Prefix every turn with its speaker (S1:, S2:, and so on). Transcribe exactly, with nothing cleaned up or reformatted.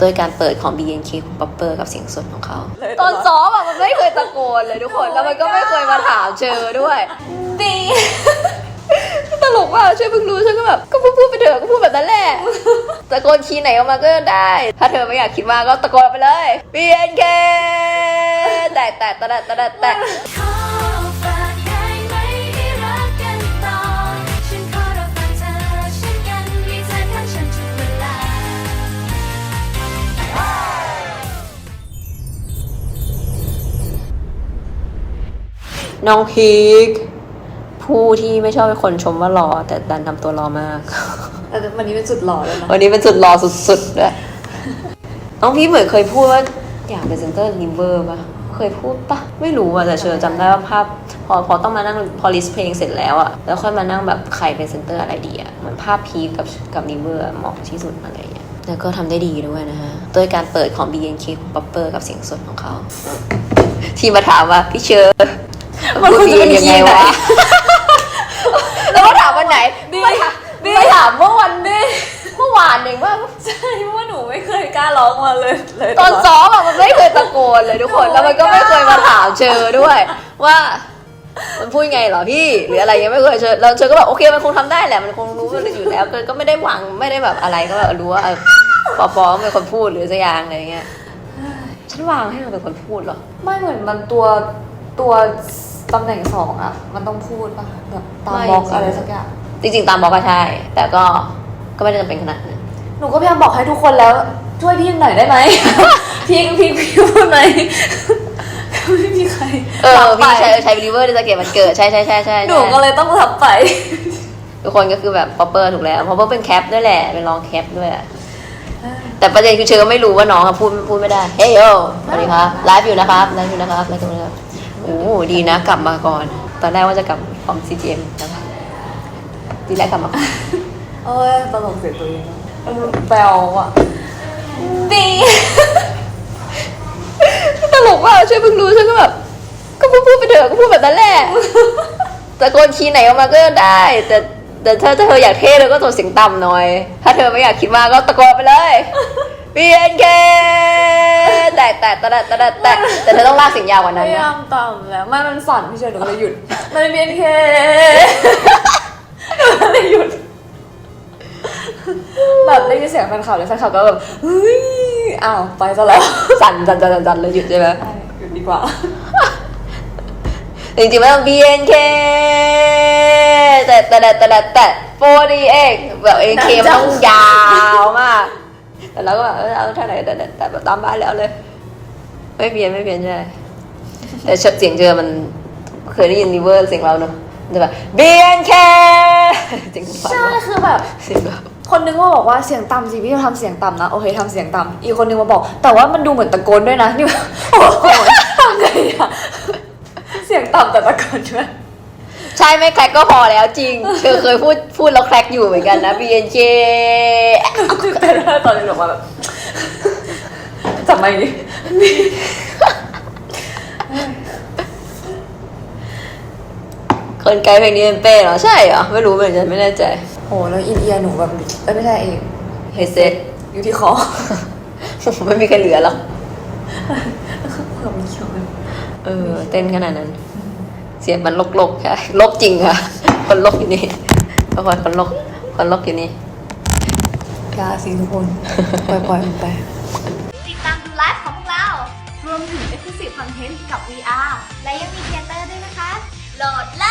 S1: โดยการเปิดของ บี เอ็น เค ของป๊อปเปอร์กับเสียงสดของเขาตอนซ้อมอะมันไม่เคยตะโกนเลยทุกคนแล้วมันก็ไม่เคยมาถามเชอด้วยดีตลกมากช่วยเพิ่งรู้ฉันก็แบบก็พูดไปเถอะก็พูดแบบนั้นแหละตะโกนคีย์ไหนออกมาก็ได้ถ้าเธอไม่อยากคิดมากก็ตะโกนไปเลย บี เอ็น เค แตะแตะแตะแตะแตะน้องพีคผู้ที่ไม่ชอบให้คนชมว่าหล่อแต่ดันทำตัวหล่อมาก
S2: แต่วันนี้เป็นสุดหล่อแล้วนะ
S1: วันนี้เป็นสุดหล่อสุดๆด้วยน้องพีคเหมือนเคยพูดว่าอยากเป็นเซนเตอร์ลิเวอร์ป่ะเคยพูดป่ะไม่รู้อ่ะแต่เชอจำได้ว่าภาพพอพอต้องมานั่งพอลิสต์เพลงเสร็จแล้วอ่ะแล้วค่อยมานั่งแบบใครเป็นเซนเตอร์อะไรดีอ่ะเหมือนภาพพีคกับกับลิเวอร์เหมาะที่สุดอะไรอย่างเงี้ยแล้วก็ทำได้ดีด้วยนะฮะโดยการเปิดของ บี เอ็น เค ของป๊อปเปอร์กับเสียงสดของเขาที่มาถามว่าพี่เชอ
S2: มันควรจะเป็นยังไงวะ
S1: แล้วมาถามวันไหนมาถามเมื่อวันนี้เมื่อวานเองว่า
S2: ใช่เพราะว่าหนูไม่เคยกล้าร้องมาเลยเลย
S1: ตอนซ้อมอะมันไม่เคยตะโกนเลยทุกคนแล้วมันก็ไม่เคยมาถามเชอด้วยว่ามันพูดไงเหรอพี่หรืออะไรยังไม่เคยเชอเราเชอก็แบบโอเคมันคงทำได้แหละมันคงรู้มันอยู่แล้วก็ไม่ได้หวังไม่ได้แบบอะไรก็แบบรู้ว่าปอปอเป็นคนพูดหรือสักอย่างอะไรเงี้ยฉันวางให้มันเป็นคนพูดหรอ
S2: ไม่เหมือนมันตัวตัวตำแหน่งสองอะมันต้องพูดป่ะแบบตามบล็อกอะไรสักอย่าง
S1: จริงๆตามบล็อกก็ใช่แต่ก็ก็ไม่ได้จำเป็นขนาดนั้น
S2: หนูก็พยายามบอกให้ทุกคนแล้วช่วยพี่หน่อยได้ไหม พี่พี่พี่พูดไหมไม่มีใคร
S1: เออพี่ใช้ใช้บิลิเวอร์ในสเก็ตมันเกิดใช่ใช่ใช่ใช่
S2: หนูก็เลยต้องรับไป
S1: ทุกคนก็คือแบบป๊อปเปอร์ถูกแล้วเพราะว่าเป็นแคปด้วยแหละเป็นรองแคปด้วยแต่ประเด็นคือเชอไม่รู้ว่าน้องพูดพูดไม่ได้เฮ้ยโอสวัสดีครับไลฟ์อยู่นะครับไลฟ์อยู่นะครับไลฟ์อยู่นะครับโอ้ดีนะกลับมาก่อนตอนแรกว่าจะกลับพร้อม ซี จี เอ็ม นะคะดีแรกกลับมา
S2: เอ้ยตลกเสียตัวเองแปลว่ะดี
S1: ตลกมากช่วยเพิ่งรู้ฉันก็แบบก็พูดพูดไปเถอะก็พูดแบบนั้นแหละตะโกนคีย์ไหนออกมาก็ได้แต่แต่ถ้าเธออยากเท่เธอก็ตัวเสียงต่ำหน่อยถ้าเธอไม่อยากคิดมากก็ตะโกนไปเลย บี เอ็น เค แตะแตะแตะแตะแตะแตะแต่เธอต้องลากเสียงยาวกว่านั้น
S2: นะพยายามต่ำแล้วไม่มันสั่นพี่เชยหนูเลยหยุดมัน บี เอ็น เค หนูเลยหยุดแบบได้ยินเสียงแฟนคลับเลยแฟนคลับก็แบบเฮ้ยอ้าวไปซะแล้ว
S1: สั่นสั่นสั่นสั่นเลยหยุดใช่ไหม
S2: หยุดดีกว่า
S1: จริงๆไม่ต้อง บี เอ็น เค แต่แต่แต่แต่แต่โฟร์ดีเอ็กแบบ เอ็น เค มันต้องยาวมากแต่เราก็แบบเอาเท่าไหร่แต่แต่แบบตามบ้านแล้วเลยไม่เปลี่ยนไม่เปลี่ยนใช่แต่เสียงเจอมันเคยได้ยินรีเวอร์เสียงเราเนอะจะแบบ บี เอ็น เค จริง
S2: ใช่คือแบบเสียงแบบคนนึงมาบอกว่าเสียงต่ำสิพี่ทำเสียงต่ำนะโอเคทำเสียงต่ำอีกคนนึงมาบอกแต่ว่ามันดูเหมือนตะโกนด้วยนะนี่โอ้โหทำไงอะเสียงต่ำแต่ตะโกนใช่ไหม
S1: ใช่ไม่แคร็กก็พอแล้วจริงเธอเคยพูดพูดแล้วแคร็กอยู่เหมือนกันนะ บี เอ็น เค
S2: แต่ตอนนี้บอกว่าแบบจับไม่ดิ
S1: คนไกลเพลงนี้เป็นเป้เหรอใช่เหรอไม่รู้เหมือนกันไม่แน่ใจ
S2: โหแล้วอินเอียร์หนูแบบเอ้ยไม่ใช่เอง
S1: เฮเซ็ต
S2: อยู่ที่คอ
S1: ไม่มีใครเหลือหรอกเออเต้นขนาดนั้นเสียงมันลกๆค่ะลกจริงค่ะคนลกอยู่นี่ทุกคนคนลกคนลกอยู่นี่
S2: ยาสิทุกคนปล่อยๆมันไป
S3: ติดตามดูไลฟ์ของพวกเรารวมถึง Exclusive Content กับ วี อาร์ และยังมีเทเตอร์ด้วยนะคะโหลด